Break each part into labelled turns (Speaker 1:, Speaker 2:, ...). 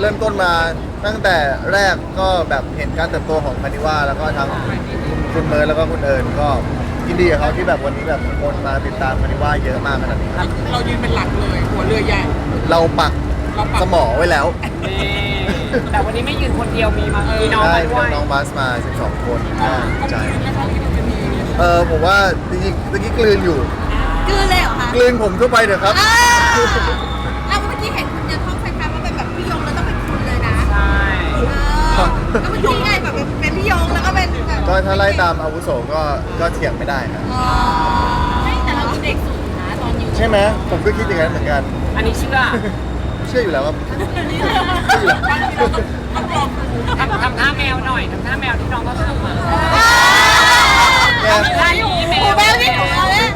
Speaker 1: เริ่มต้นมาตั้งแต่แรกก็แบบเห็นการเติบโตของคานิว่าแล้วก็ทั้งคุณเมิร์ดแล้วก็คุณเอิญก็ยินดีกับเขาที่แบบวันนี้แบบคนมาติดตามคานิว่าเยอะมากขนาดนี้ครับ
Speaker 2: เรายืนเป็นหลักเลยหัวเรือใหญ่
Speaker 1: เราปักสมอไว้แล้ว
Speaker 3: นี่แต่วันนี้ไม่ยืนคนเดียวมีน้อง
Speaker 1: ใช่
Speaker 3: มาด้วย
Speaker 1: น้องบัสมา12 คนใช่
Speaker 2: นะคะที่มันจะมี
Speaker 1: ผมว่าจริงๆเมื่อกี้กลืนอยู่
Speaker 4: กลืนเลยเหรอคะ
Speaker 1: กลืนผมเข้าไปเถอะครับ
Speaker 4: แล้วเมื่อกี้เห็นคุณจะท่องคล้ายๆว่าเป็นแบบพี่ยงแล้วต้องเป็นคุณเลยนะ
Speaker 3: ใช่
Speaker 4: แล้วเมื่อกี้ไงแบบเป็นพี่ยงแล้วก็เป็นแบบ
Speaker 1: ก็ถ้าไล่ตามอาวุโสก็เถียงไม่ได้ครับ
Speaker 4: แต่เราเด็กสุดนะตอนอยู่
Speaker 1: ใช่ไหมผมก็คิดอย่างนั้นเหมือนกัน
Speaker 3: อันนี้เชื่อ
Speaker 1: เชื่ออยู่แล้วครับเชื่ออยู่แล้ว
Speaker 3: ทำท่าแมวหน่อยทำท่าแมวที่น้องเขาทำมา
Speaker 1: แม่
Speaker 3: ได้อยู่แม
Speaker 4: โอ้
Speaker 3: ว
Speaker 4: แมวนี่ของเราเนี่ย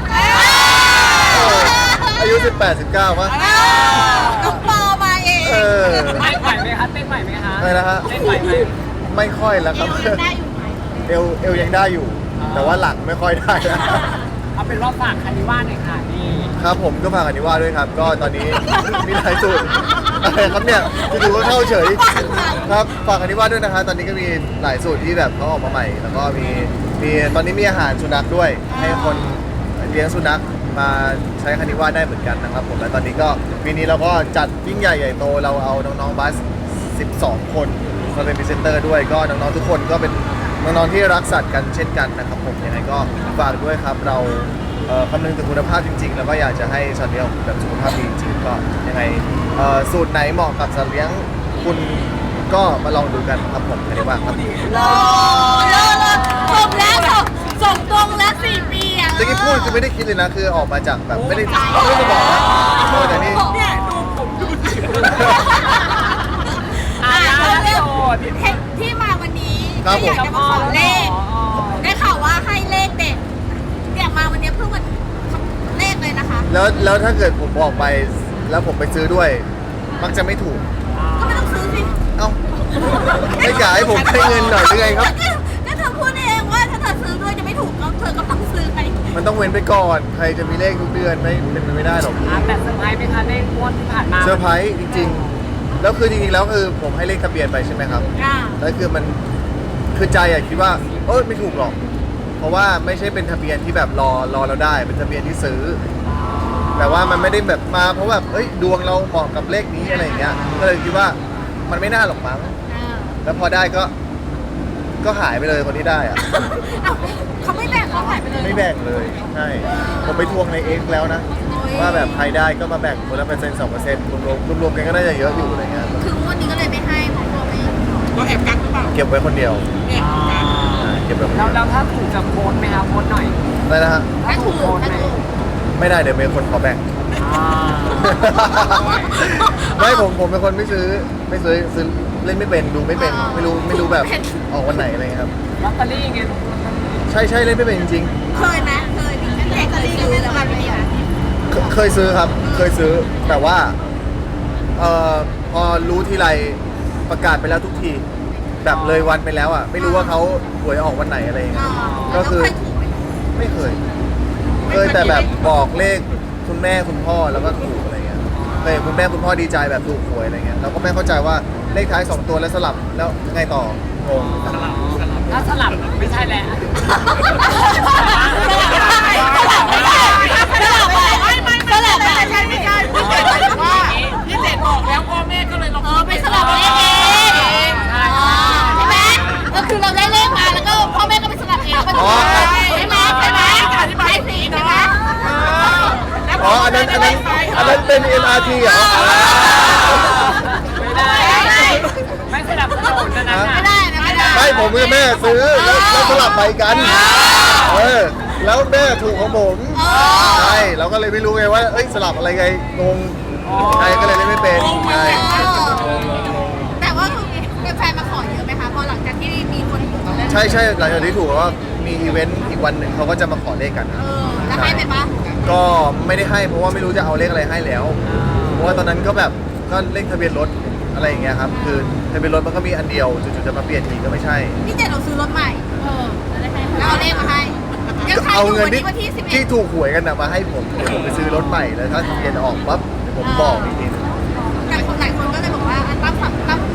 Speaker 1: อายุ18-19ป่ะ
Speaker 4: น้องปอมาเอง
Speaker 3: ไม่ไหวไหมคะเต้นไหวไหมคะ
Speaker 1: อะไรนะฮะ
Speaker 3: เต้นไหวไหม
Speaker 1: ไม่ค่อยแล้วครับ
Speaker 4: ได้อยู่ไหม
Speaker 1: เอวยังได้อยู่ แต่ว่าหลังไม่ค่อยได้แล้ว
Speaker 3: เอาเป็นว่าฝากคานิว่าหน่อยค่ะนี่
Speaker 1: ครับผมก็ฝากอนิว่าด้วยครับ ก็ตอนนี้ มีหลายสูตรอะไรครับเนี่ยจู่ๆก็เข้าเฉยครับฝากอนิว่าด้วยนะครับตอนนี้ก็มีหลายสูตรที่แบบเขาออกมาใหม่ แล้วก็มีตอนนี้มีอาหารสุนัขด้วย ให้คนเลี้ยงสุนัขมาใช้คานิว่าได้เหมือนกันนะครับผมและตอนนี้ก็ปีนี้เราก็จัดยิ่งใหญ่ใหญ่โตเราเอาน้องๆบัส 12 คนมาเป็นพรีเซนเตอร์ด้วยก็น้องๆทุกคนก็เป็นน้องๆที่รักสัตว์กันเช่นกันนะครับผมยังไงก็ฝากด้วยครับเราคำนึงถึงคุณภาพจริงๆ แล้วก็อยากจะให้สัตว์เลี้ยงแบบสุขภาพดีจริงๆก็ยังไงสูตรไหนเหมาะกับสัตว์เลี้ยงคุณก็มาลองดูกันครับผมไม่ได้ว่าครับ
Speaker 4: รอส่งแล้วส่งตรงแล้ว4 ปีอ่ะ
Speaker 1: เมื่อกี้พูดคือไม่ได้คิดเลยนะคือออกมาจากแบบไม่ได้บอกนะแต่นี่
Speaker 2: เนี่ยดูผมดูสิ
Speaker 4: ที่มาวันนี้อยากจะมาขอเลขได้ข่าวว่าให้เลขเด็ดเนี่ยมาวันนี้เพิ่งวันเลขเลยนะคะ
Speaker 1: แล้วถ้าเกิดผมบอกไปแล้วผมไปซื้อด้วย มักจะไม่ถูก
Speaker 4: ก็ไม่ต้องซื้อสิ
Speaker 1: เอ้าไม่กะให้ผมให้เงินหน่อยหรือไงครับ
Speaker 4: ก็เธอพูดเองว่าถ้าเธอซื้อด้วยจะไม่ถูกก็เธอก็ต้องซื้อไป
Speaker 1: มันต้องเว้นไปก่อน ใครจะมีเลขทุกเดือนไม่เป็นไปไม่ได้หรอก
Speaker 3: แต่เซอร์ไพรส์ไหมคะเลขงวดที่ผ่านมา
Speaker 1: เซอร์ไพรส์จริงๆ แล้วคือจริงๆ แล้วคือผมให้เลขทะเบียนไปใช่ไหมครับ แล้วคือมันคือใจอะคิดว่าไม่ถูกหรอก เพราะว่าไม่ใช่เป็นทะเบียนที่แบบรอเราได้ เป็นทะเบียนที่ซื้อ แต่ว่ามันไม่ได้แบบมาเพราะแบบดวงเราเหมาะกับเลขนี้อะไรอย่างเงี้ย ก็เลยคิดว่ามันไม่น่าหรอกมั้ง แล้วพอได้ก็หายไปเลยคนที่ได้อะ
Speaker 4: เขาไม่แบ่งเขาหายไปเลย
Speaker 1: ไม่แบ่งเลยใช่ผมไปทวงในเอ็กแล้วนะ ว่าแบบใครได้ก็มาแบ่งคนละ1%-2%รวมๆกันก็น่าจะเยอะอยู่อะไรเงี้ย
Speaker 4: ถึงวันนี้ก็เลยไม่ให้ของตัวเอง
Speaker 2: เราแอบกักหรือเปล่า
Speaker 1: เก็บไว้คนเดียว
Speaker 2: เนี่ยกัก
Speaker 1: เก็บไว้คนเดี
Speaker 3: แล้
Speaker 1: ยว ว
Speaker 3: ถ้าถูกจะโพสไหมคะโพสหน่อย
Speaker 1: อะไรนะฮะ
Speaker 4: ถ้าถูก
Speaker 3: โพส
Speaker 4: ถ้า
Speaker 3: ไหม
Speaker 4: ถูก
Speaker 1: ไม่ได้เดี๋ยวมีคนขอแบ่ง
Speaker 3: อ่า
Speaker 1: ไม่ผมเป็นคนไม่ซื้อซื้อเล่นไม่เป็นดูไม่เป็นไม่รู้แบบออกวันไหนอะไรเงี้ยครับ
Speaker 3: ลอตเตอรี่ไง
Speaker 1: ใช่เล่นไม่เป็นจริง
Speaker 4: เคยไหมเคยมีเลขเคยซื้อแล้วกันไหมคะ
Speaker 1: ๆเคยซื้อครับเคยซื้อแต่ว่าพอรู้ทีไรประกาศไปแล้วทุกทีแบบเลยวันไปแล้วอ่ะไม่รู้ว่าเขาหวยออกวันไหนอะไรเงี้ยก็คือ
Speaker 4: แล้วเคยถูกไหม
Speaker 1: ไม่เคยแต่แบบบอกเลขคุณแม่คุณพ่อแล้วก็ถูกอะไรเงี้ยเคยเห็นคุณแม่คุณพ่อดีใจแบบถูกหวยอะไรเงี้ยเราก็ไม่เข้าใจว่าเลขท้าย2 ตัวแล้วสลับแล้วไงต่องง
Speaker 3: ถ้าสลับไม่ใช่แล้ว
Speaker 2: พี่เจ็ดบอกแล้วพ่อแม่ก็เลยลอง
Speaker 4: ไปสลับเลขเองใช่ไหมก็คือเราได้เลขมาแล้วก็พ่อแม่ก็ไปสลับเองใช่ไหมใช่สีใช่ไหม
Speaker 1: อ๋ออันนั้นเป็น MRT เหรอ
Speaker 3: ไม่ได้ไม่สนับสนุนนะ
Speaker 4: ไม่ได้นะไม่ได้
Speaker 1: ใช่ผมกับแม่ซื้อแล้วสลับไปกันแล้วแม่ถูกของผมใช่เราก็เลยไม่รู้ไงว่าสลับอะไรไงงงใช่ก็เลยเล่นไม่เป็นใช่
Speaker 4: แต่ว่าคือแฟนมาขอเยอะไหมคะพอหลังจากที่มีคนถูกแล้ว
Speaker 1: ใช่หลังจากที่ถูกว่ามีอีเวนต์อีกวันหนึ่งเขาก็จะมาขอเลขกัน
Speaker 4: แล้วให้ไปปะ
Speaker 1: ก็ไม่ได้ให้เพราะว่าไม่รู้จะเอาเลขอะไรให้แล้ว เพราะว่าตอนนั้นก็แบบก็เลขทะเบียนรถอะไรอย่างเงี้ยครับคือทะเบียนรถมันก็มีอันเดียวจู่ๆจะมาเปลี่ยนอีกก็ไม่ใช่
Speaker 4: พี่เจดเราซื้อรถใหม่แล้วเอาเลขมาให้ยังทัน
Speaker 1: เอา
Speaker 4: อยู่
Speaker 1: เงิน
Speaker 4: วัน
Speaker 1: ที่
Speaker 4: นี้วันที่
Speaker 1: ที่
Speaker 4: 11
Speaker 1: ถูกหวยกันนะมาให้ผมเดี๋ยวผมไปซื้อรถใหม่แล้วถ้าทะเบียนออกปั๊บเดี๋ยวผมบอกอีกทีนึง
Speaker 4: แต่คนหลายคนก็เลยบอกว่าตั้ง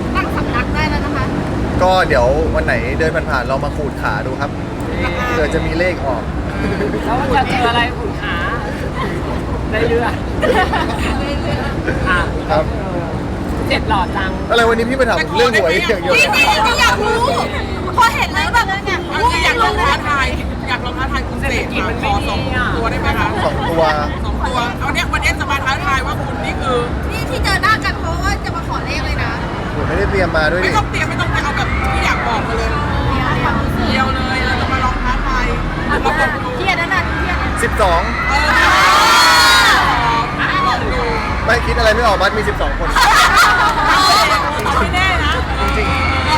Speaker 1: ก็เดี๋ยววันไหนเดินผ่านๆเรามาขูดขาดูครับเผื่อจะมีเลขออก
Speaker 3: แล้วมันจะเจออะไรขุนขาในเรืออ่ะ
Speaker 1: ครับ
Speaker 3: เจ็ดหลอดจัง
Speaker 1: อะไรวันนี้พี่มาถามผมเรื่องหวยอย่างเดียว
Speaker 4: จริง
Speaker 1: เลย
Speaker 4: ๆอยากรู้พอเห็นเลยแบบเนี่ย
Speaker 2: อยากลองท้าทายคุณเสกมาขอ2 ตัวได้ไหมคะ
Speaker 1: สองตัว
Speaker 2: 2 ตัวเอาเนี่ยวันนี้จะมาท้าทายว่าคุณนี่คือ
Speaker 4: นี่ที่เจอหน้ากันเพราะว่าจะมาขอเลขเลยนะ
Speaker 1: ผมไม่ได้เตรียมมาด้วย
Speaker 2: ไม่
Speaker 1: ดิ
Speaker 2: ต้องเตรียมไม่ต้องไปเอาแบบที่อยากบอกมาเลยเดียวเลยเราจะมาลองท้าทายเราบอกดู
Speaker 4: เทียนนั่นน่ะเทียน
Speaker 2: ลองดู
Speaker 1: ไม่คิดอะไรไม่ออกบัสมี 12 คน
Speaker 2: ไม่แน่นะ
Speaker 1: จริง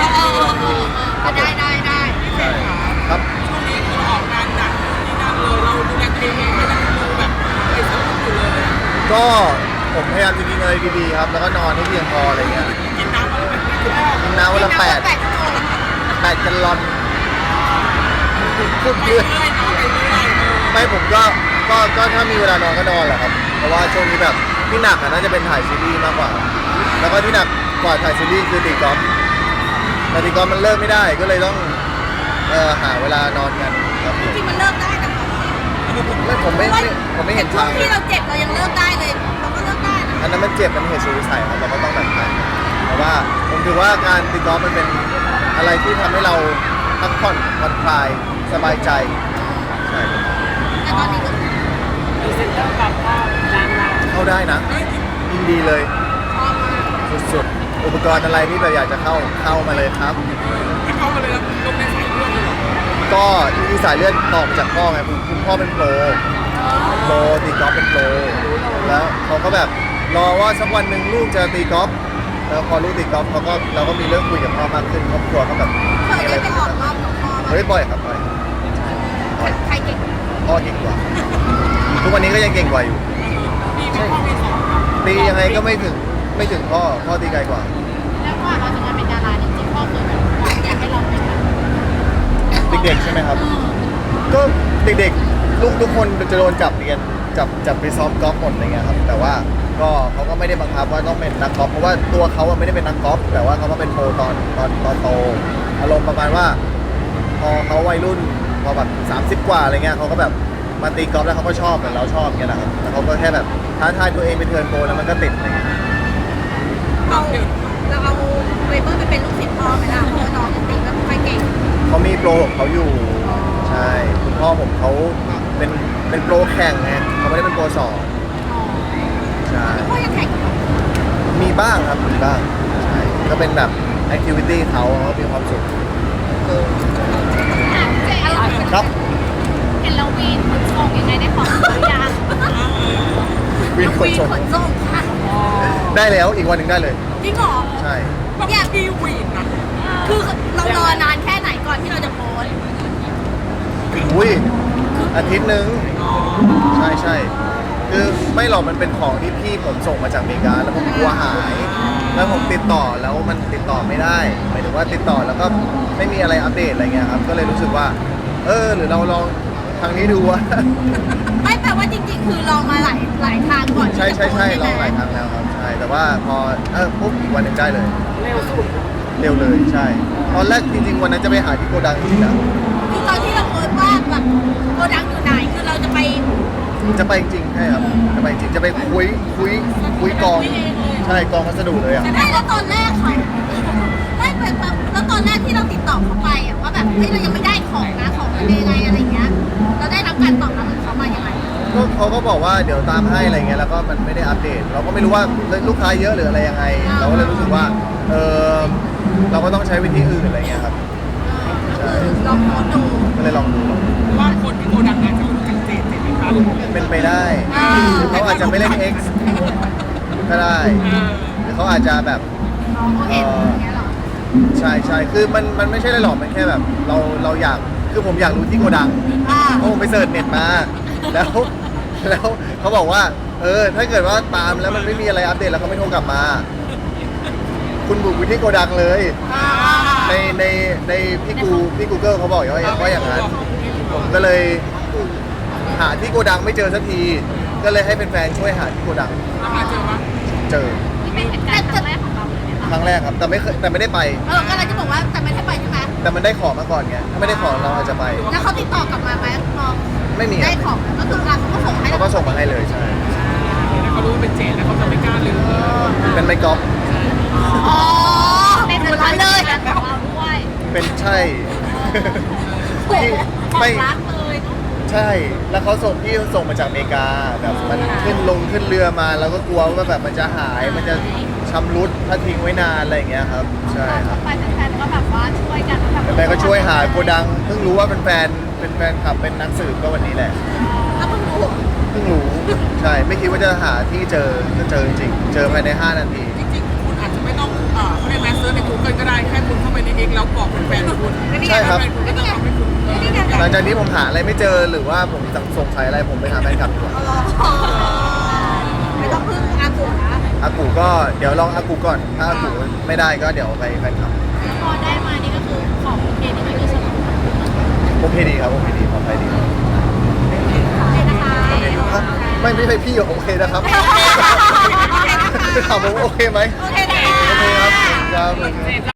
Speaker 4: ได้
Speaker 1: ๆใช่ครับ
Speaker 2: ช่วงนี้คือออกงานหนักที่นั่นเลยเราดูแลตัวเองไม่ได้ดูแบบไปสนุกอยู่เลย
Speaker 1: ก็ผมพยายามจะกินอะไรดีๆครับ แล้วก็นอนให้เพียงพออะไรเงี้ย
Speaker 2: กินน้ำอะไรแบบนี้คือ
Speaker 1: กินน้ำวันละ8
Speaker 4: ชั่วโมง
Speaker 1: แกลลอนพูด
Speaker 2: ไป
Speaker 1: เยอะ
Speaker 2: เรื่อยเนาะไปเรื่อย
Speaker 1: ไม่ผมก็ถ้ามีเวลานอนก็นอนแหละครับ เพราะว่าช่วงนี้แบบที่หนักอะน่าจะเป็นถ่ายซีรีส์มากกว่า แล้วก็ที่หนักกว่าถ่ายซีรีส์คือตีกอล์ฟแต่ตีกอล์ฟมันเลิกไม่ได้ก็เลยต้องหาเวลานอนกันครับ
Speaker 4: จริงๆมันเลิกได้นะคะ
Speaker 1: ไม่ผมไม่เห็น
Speaker 4: ช่ว
Speaker 1: ทาง ง
Speaker 4: ที่เราเจ็บเรายังเลิกได้เลยเราก็เลิกได้นะ
Speaker 1: อันนั้นมันเจ็บมันเหตุสุดวิสัยครับเราก็ต้องแบบนั้นแต่ว่าผมถือว่าการตีกอล์ฟมันเป็นอะไรที่ทำให้เราพักผ่อนผ่อนคลายสบายใจใช่
Speaker 4: แต่ตอนนี้ก็
Speaker 3: พรีเซนเตอร์กับพ่อดังเรา
Speaker 1: เข้าได้นะยินดีเลย
Speaker 4: ชอบมาก
Speaker 1: สุดๆอุปกรณ์อะไรที่แบบอยากจะเข้ามาเลยครับ
Speaker 2: ให้เขามาเลยลงในสายเลือดเลยเหรอ
Speaker 1: ก็ที่สายเลือดต่อมาจากพ่อไงคุณพ่อเป็นโปรตีกอล์ฟเป็นโปรแล้วเขาก็แบบรอว่าสักวันหนึ่งลูกจะตีกอล์ฟแล้วพอลูกตีกอล์ฟเราก็มีเรื่องคุยกับพ่อมากขึ้นครอบครัวเขาแบบ
Speaker 4: เคยได้ไปออกรอบกับพ่อไหม
Speaker 1: เฮ้ยบ่อยครับบ่อย
Speaker 4: ใครเก่ง
Speaker 1: พ่อเก่งกว่า ทุกวันนี้ก็ยังเก่งกว่าอยู่
Speaker 2: มีพ่อมีสอง
Speaker 1: ตียังไงก็ไม่ถึงพ่อตีไกลกว่า
Speaker 4: แล้วก่อนเราจะมาเป็นดาราจริงๆพ่อเคยแบบอยากให้เราเป็นแบบ
Speaker 1: เด็กๆใช่ไหมครับ ก็เด็กๆลูกทุกคนจะโดนจับเรียนจับไปซ้อมกอล์ฟหมดอะไรเงี้ยครับแต่ว่าก็เขาก็ไม่ได้บังคับว่าต้องเป็นนักกอล์ฟเพราะว่าตัวเขาอะไม่ได้เป็นนักกอล์ฟแต่ว่าเขาก็เป็นโปรตอนโตอารมณ์ประมาณว่า พอเขาวัยรุ่นพอแบบ30 กว่าอะไรเงี้ยเขาก็แบบมาตีกอล์ฟแล้วเขาก็ชอบเหมือนเราชอบเงี้ยนะครับแล้วเขาก็แค่แบบท้าทายตัวเองไปเทิร์นโปรแล้วมันก็ติดอะไรเงี้ย
Speaker 4: เราเอาเวเบอร์ไปเป็นลูกศิษย์พ่อไหมล่ะเพราะว่าน้องจริงๆแล้วใครเก่ง
Speaker 1: เขามีโปรของเขาอยู่ใช่คุณพ่อผมเขาเป็นโปรแข่งไงเขาไม่ได้เป็นโปรสอนใช่
Speaker 4: พ่อยังแข่งอยู่
Speaker 1: มีบ้างครับมีบ้างใช่ก็เป็นแบบแอคทิวิตี้เขามีความสุขครับ
Speaker 4: เห็นเราวีนขนส่งยังไงได้ของหรือยัง
Speaker 1: วินขน
Speaker 4: วีน
Speaker 1: ส่ง
Speaker 4: ขนส่งค่ะ
Speaker 1: ได้แล้วอีกวันหนึ่งได้เลย
Speaker 4: จริงเหรอ
Speaker 1: ใช่
Speaker 2: แบบกีวีนนะ
Speaker 4: คือเรารอนานแค่ไหนก่อนที่เราจะโพสต์
Speaker 1: อุ้ยอาทิตย์หนึ่งใช่คือไม่หรอกมันเป็นของที่พี่ผมส่งมาจากอเมริกาแล้วผมกลัวหาย แล้วผมติดต่อแล้วมันติดต่อไม่ได้หมายถึงว่าติดต่อแล้วก็ไม่มีอะไรอัปเดตอะไรเงี้ยครับก็เลยรู้สึกว่าหรือเราลองทางนี้ดูว่า
Speaker 4: ไม่แปลว่าจริงๆ คือลองมาหลายทางก่อนที่
Speaker 1: ใช่
Speaker 4: จะโพสต์
Speaker 1: ลองหลายครั้งแล้วครับใช่แต่ว่าพอปุ๊บอีกวันหนึ่งได้เลย
Speaker 3: เร็วสุด
Speaker 1: เร็วเลยใช่ตอนแรกจริงๆวันนั้นจะไปหาที่โกดังจริงๆนะ
Speaker 4: คือตอนที่เราโพสต์ว่าแบบโกดังอยู่ไหนคือเราจะไป
Speaker 1: จะไปจริงใช่ครับจะไปจริงจะไปคุยกองใช่กองพัสดุเลยอ่ะ
Speaker 4: ไม่แล้วตอนแรกเขาไม่แบบแล้วตอนแรกที่เราติดต่อเขาไปอะว่าแบบเฮ้ยเรายังไม่ได้ของนะของมันยังไงอะไรเงี้ยเราได้รับการตอบรับของเขามายังไง
Speaker 1: ก็เขาก็บอกว่าเดี๋ยวตามให้อะไรเงี้ยแล้วก็มันไม่ได้อัปเดต เราก็ไม่รู้ว่าลูกค้าเยอะหรืออะไรยังไง เราก็เลยรู้สึกว่าเราก็ต้องใช้วิธีอื่นอะไรเงี้ยครับใช่
Speaker 4: ลองโพสต์ดู
Speaker 1: ก็เลยลองดู
Speaker 2: ว่าคนที่โกดังอาจจะรู้จักเจนไหมคะ
Speaker 1: เป็นไปได้หรือเขาอาจจะไม่เล่น X ก็ได้หรือเขาอาจจะแบบ
Speaker 4: น้องเขาเห็นอย่างเงี้ยเหรอ
Speaker 1: ใช่คือมันไม่ใช่อะไรหรอกมันแค่แบบเราอยากคือผมอยากรู้ที่โกดัง
Speaker 4: อ่า
Speaker 1: เพราะผมไปเสิร์ชเน็ตมาแล้วเขาบอกว่าถ้าเกิดว่าตามแล้วมันไม่มีอะไรอัปเดตแล้วเขาไม่โทรกลับมา คุณบุกไปที่โกดังเลย
Speaker 4: อ่า
Speaker 1: ในพี่กูเกิลเขาบอกว่าอย่างนั้นผมก็เลยหาที่โกดังไม่เจอสักที ก็เลยให้เป็นแฟนๆช่วยหาที่โกดัง
Speaker 2: แล้วมาเจอว่า
Speaker 1: เจอ
Speaker 4: นี่เป็นเหตุการณ์ครั้งแรกของเราเลยไหมคะ
Speaker 1: ครั้งแรกครับแต่ไม่ได้ไป
Speaker 4: ก็เลยจะบอกว่าแต่ไม่ได้ไปใช่ไหม
Speaker 1: แต่มันได้ของมาก่อนไงถ้าไม่ได้ของเราอาจจะไป
Speaker 4: แล้วเขาติดต่อกลับมาไหมมอง
Speaker 1: ไม่มี
Speaker 4: ได้ของก็คือเขาก็ส่งให้
Speaker 1: เขาก็ส่งมาให้เลยใช่
Speaker 3: ถ้าเขารู้ว่าเป็นเจนแล้วเขาจะไม่กล้าลืม
Speaker 1: เป็นไมค์กอล์ฟ
Speaker 4: อ๋อเป็นคนละเลยแบบเราด้วย
Speaker 1: เป็นใช่
Speaker 4: โอ้โห
Speaker 1: ไม่
Speaker 4: รักเลยเนาะ
Speaker 1: ใช่ แล้วเขาส่งมาจากอเมริกาแบบมันขึ้นเรือมาแล้วก็กลัวว่าแบบมันจะหายมันจะชำรุดถ้าทิ้งไว้นานอะไรอย่างเงี้ยครับใช่ครับ
Speaker 4: ไปแฟนๆก็แบบว่าช่วยกันแบบ
Speaker 1: แฟนก็ช่วยหาโกดังเพิ่งรู้ว่าเป็นแฟนขับเป็นนักสืบก็วันนี้แหละ
Speaker 4: ถ้าเพิ่งรู้
Speaker 1: เพิ่งรู้ใช่ไม่คิดว่าจะหาที่เจอจะเจอจริงๆเจอภายใน5 นาที
Speaker 2: จริงๆคุณอาจจะไม่ต้องเขาเรียกแมสเซอร์ใน Google ก็ได้แค่คุณเข้าไปใน X แล้วบอกเป็นแฟนคุณ
Speaker 1: ใช่ครับ
Speaker 2: แฟนคุณก็จะทำให้คุณ
Speaker 4: นี่ไง
Speaker 1: หลังจากนี้ผมหาอะไรไม่เจอหรือว่าผมสงสัยอะไรผมไปหาแฟนคลับดีกว่า
Speaker 4: ไม่ต้องพึ่งอากูนะ
Speaker 1: อากูก็เดี๋ยวลองอากูก่อนถ้าอากูไม่ได้ก็เดี๋ยวไปแฟนคลับ
Speaker 4: แล้วพอได้มานี่ก็คือของโอเคนี่ไม่มีสนุก
Speaker 1: โอเคดีครับโอเคดีปลอดภัยดีครับ
Speaker 4: เลยนะคะ
Speaker 1: ครับไม่ใช่พี่โอเคนะครับถามผมโอเคไหม
Speaker 4: โอเคนะคะ
Speaker 1: โอเคครับครับ